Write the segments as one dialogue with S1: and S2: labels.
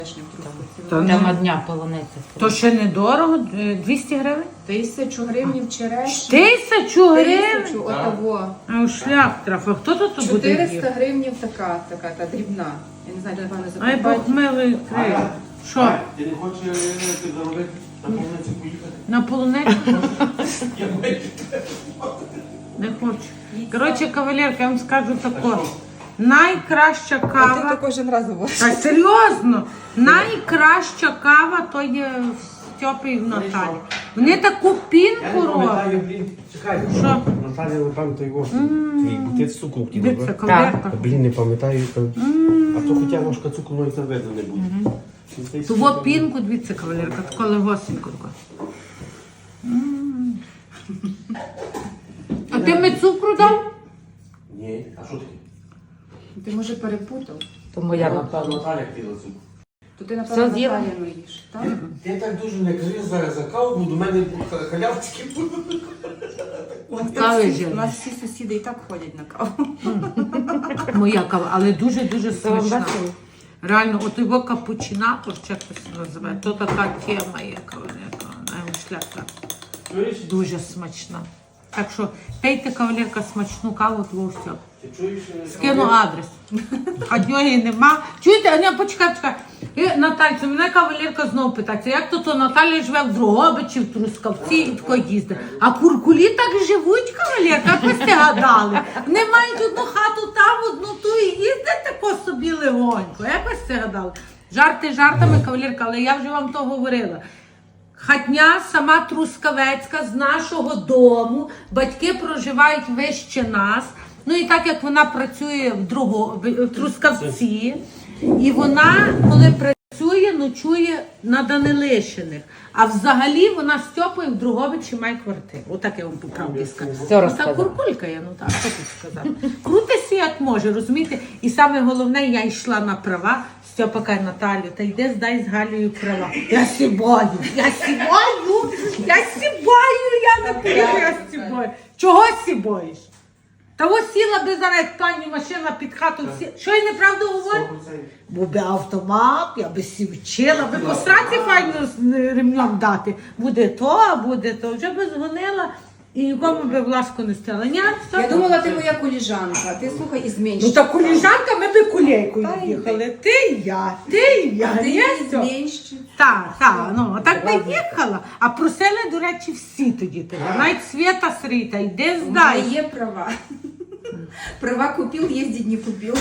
S1: Прямо дня полуниця.
S2: То ще недорого? 200 гривень?
S3: 1000 гривень черешні.
S2: 1000 гривень?
S3: 1000, отого.
S2: А шлях трафа. Хто тут буде їсти?
S3: 400 гривень така та дрібна. Я не знаю, де напевно
S2: Ай,
S3: закупати.
S2: Бог милий крив. Що?
S4: Ти не хочеш заробити на полуницю поїхати?
S2: На полуничку? Не хочу. Коротше, кавалерка, я вам скажу тако. Найкраща
S3: Ти
S2: кава.
S3: то кожен раз говориш.
S2: Та серйозно, найкраща кава то є в Стьопі і в Наталі. Вони таку пінку роблять.
S4: Чекай,
S2: Що?
S4: Наталя, напевно, то його твій букет цукру хотіла,
S2: Дивіться,
S4: б?
S2: кавалерка.
S4: Блін, не пам'ятаю. А то хоча ложка цукру навіть не видно не буде.
S2: Того пінку, дивіться, кавалерка, тако легосенько. А ти мені цукру дав?
S4: Ні, а що таке?
S3: Ти, може, перепутав.
S1: Тому я напевно.
S4: Наталя хотіла цукру.
S3: То ти, напевно,
S1: Все з'їла?
S3: Наталіну їш. Так?
S4: Ти так дуже не кажи зараз за каву, бо до мене халявчики будуть.
S2: Кави ж.
S3: У нас всі сусіди і так ходять на каву.
S2: Моя кава, але дуже-дуже
S1: Це вам
S2: смачна.
S1: весело?
S2: Реально, от його капучинатор, чи як це називає, то така тема є, кавалерка, шляпка.
S4: Чуєш?
S2: Дуже смачна. Так що пейте, кавалерка, смачну каву, твого всього.
S4: Ти чуєш?
S2: Скину адрес. А дьоги нема. Чуєте, Аня, почекай. Натальцю, мене кавалерка знову питається, як то Наталя живе в Дрогобичі, в Трускавці і тако їздить. А куркулі так живуть, кавалерка, як ви сте гадали. Вони мають одну хату там, одну ту і їздять тако собі легонько. Як ви сте гадали? Жарти жартами, кавалерка, але я вже вам то говорила. Хатня сама Трускавецька з нашого дому, батьки проживають вище нас. Ну і так як вона працює в Трускавці, і вона, коли працює, ночує на Данилишиних. А взагалі вона з Стьопою в Дрогобичі має квартиру. Отак я вам по правді скажу.
S1: Все
S2: Ота
S1: розказала.
S2: куркулька я, ну так, що тут сказати. Крутися як може, розумієте? І саме головне, я йшла на права. Стьопа каже, Наталю, та йди здай з Галею права. Я сібаю, я не поїду, я сібаю. Чого сібаєш? Та ось сіла би зараз, як пані машина під хату. Що я неправду говорю?
S4: 100%.
S2: Був би автомат, я би сі вчила, би по сраці файно з ремнем дати. Буде то. Вже би згонила і нікому би в ласку не стала. Ні,
S3: Я думала, ти моя коліжанка. Ти слухай і зменшиш.
S2: Ну та коліжанка, ми би кулейкою
S3: Та
S2: їхали. Ти і я.
S3: Ти
S2: Ні,
S3: її
S2: все.
S3: зменшиш.
S2: Так, ну, так би їхала. А просили, до речі, всі тоді тебе. Навіть Свята Срита, йди
S3: У мене
S2: здай.
S3: є права. Права купив, їздить не купив.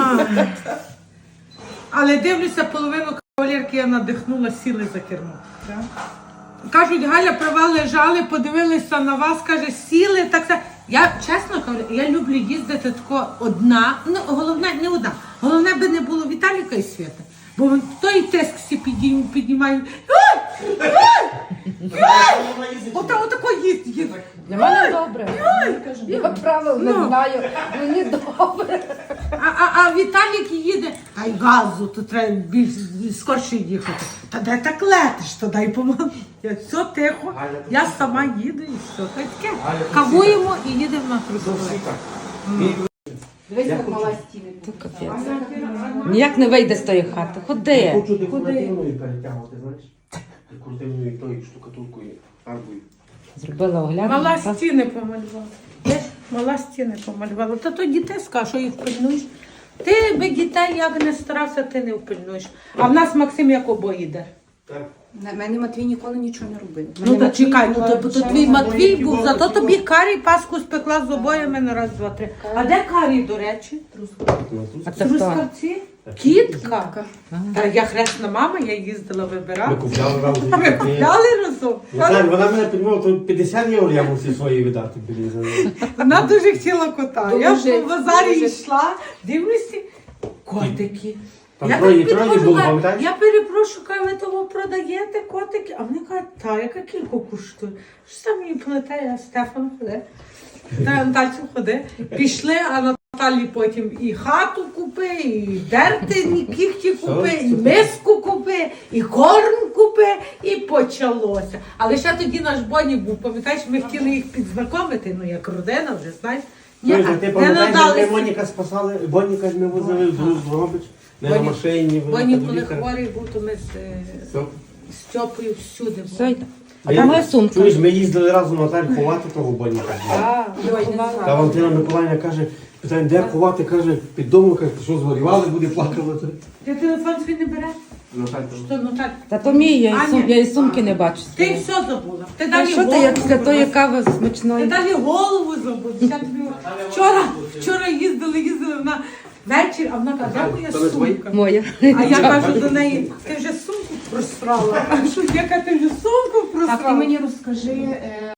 S2: Але дивлюся, половину кавалерки я надихнула, сіли за кермо. Кажуть, Галя, права лежали, подивилися на вас, каже, сіли, так все. Я, чесно кажу, я люблю їздити тако одна, ну, головне, не одна, головне би не було Віталіка і Свята. Бо той тиск всі піднімають. Отако їздить.
S1: Для мене добре. Я правил не знаю. Мені добре.
S2: А Віталік їде, ай газу, то треба більш скорше їхати. Та де так летиш, то дай помогу. Я все тихо, я сама їду і все. Та й таке. Кавуємо і їдемо на Трускавець.
S3: Дивись, як мала стіни.
S1: Капець. Ніяк не вийде з тої хати. Ходи.
S4: Хочу декоративною перетягувати, знаєш? Декоративною тою штукатуркою, фарбою.
S1: Зробила огляд.
S2: Мала стіни помалювала. Мала стіни помалювала. Та то дітей скажу, що їх пильнуєш. Ти би дітей як не старався, ти не впильнуєш. А в нас Максим як обоє йде.
S4: Так.
S3: На мене Матвій ніколи нічого не робив.
S2: Ну та чекай, ну то твій
S4: Чай,
S2: Матвій
S4: обоє
S2: був,
S4: було,
S2: зато
S4: то
S2: тобі Карі паску спекла з обоями на раз, два, три. А де Карі, до речі?
S1: А це хто?
S2: Трускавці? Кітка. Та я хресна мама, я їздила
S4: Ми
S2: вибирати.
S4: купляли разом.
S2: Ми купляли разом.
S4: Вона мене підмовила, то 50 євро я мусив свої видати. Блін, за неї.
S2: Вона дуже хотіла кота. Я
S3: Дуже,
S2: по базарі
S3: дуже.
S2: йшла, дивлюся, котики.
S4: Там
S2: Я
S4: троє
S2: так підходжу,
S4: було,
S2: кажу,
S4: пам'ятаєш?
S2: я перепрошую, кажу, ви того продаєте котики? А вони кажуть, та, яка кілько коштує? Що там мені плете, а Стефан ходи. Та Натальцю ходи. Пішли, а Наталі потім і хату купи, і дерти кіхті купи, і миску купи, і корм купи, і почалося. Але ще тоді наш Боні був, пам'ятаєш, ми хотіли їх підзнайомити, ну як родина вже, знаєш. Ні,
S4: Ти
S2: не
S4: пам'ятаєш, як ми
S2: надалися.
S4: Моніка спасали, Боніка ми возили в Дрогобич, Не на машині, ви
S2: Боні,
S4: до
S2: коли
S4: лікаря.
S2: хворий був, то ми
S4: Все.
S2: з Стьопою всюди
S1: Все,
S2: були.
S1: йде. А там моя сумка.
S4: Чуєш, ми їздили разом Наталь ховати того Боніка.
S1: Ой, не
S4: Та
S1: знаю.
S4: Валентина Миколаївна каже, питаємо, де ховати, каже, під домом, каже, ти що згорівали, буде плакала.
S2: Ти телефон свій не береш?
S4: Наталь, там.
S2: Що, ну так?
S1: Та то мій,
S2: Аня.
S1: я і сумки не бачу.
S2: Ти все забула. Ти
S1: Та
S2: далі
S1: що ти,
S2: голову
S1: як після тої
S2: забула.
S1: кави
S2: Ти
S1: смачної?
S2: далі голову забула. Я тобі вчора їздили вона вечір, а вона каже, де моя
S4: Це не твої?
S2: сумка?
S1: Моя.
S2: А я кажу до неї, ти вже сумку просрала. А що, яка ти вже сумку просрала?
S3: Так, ти мені розкажи,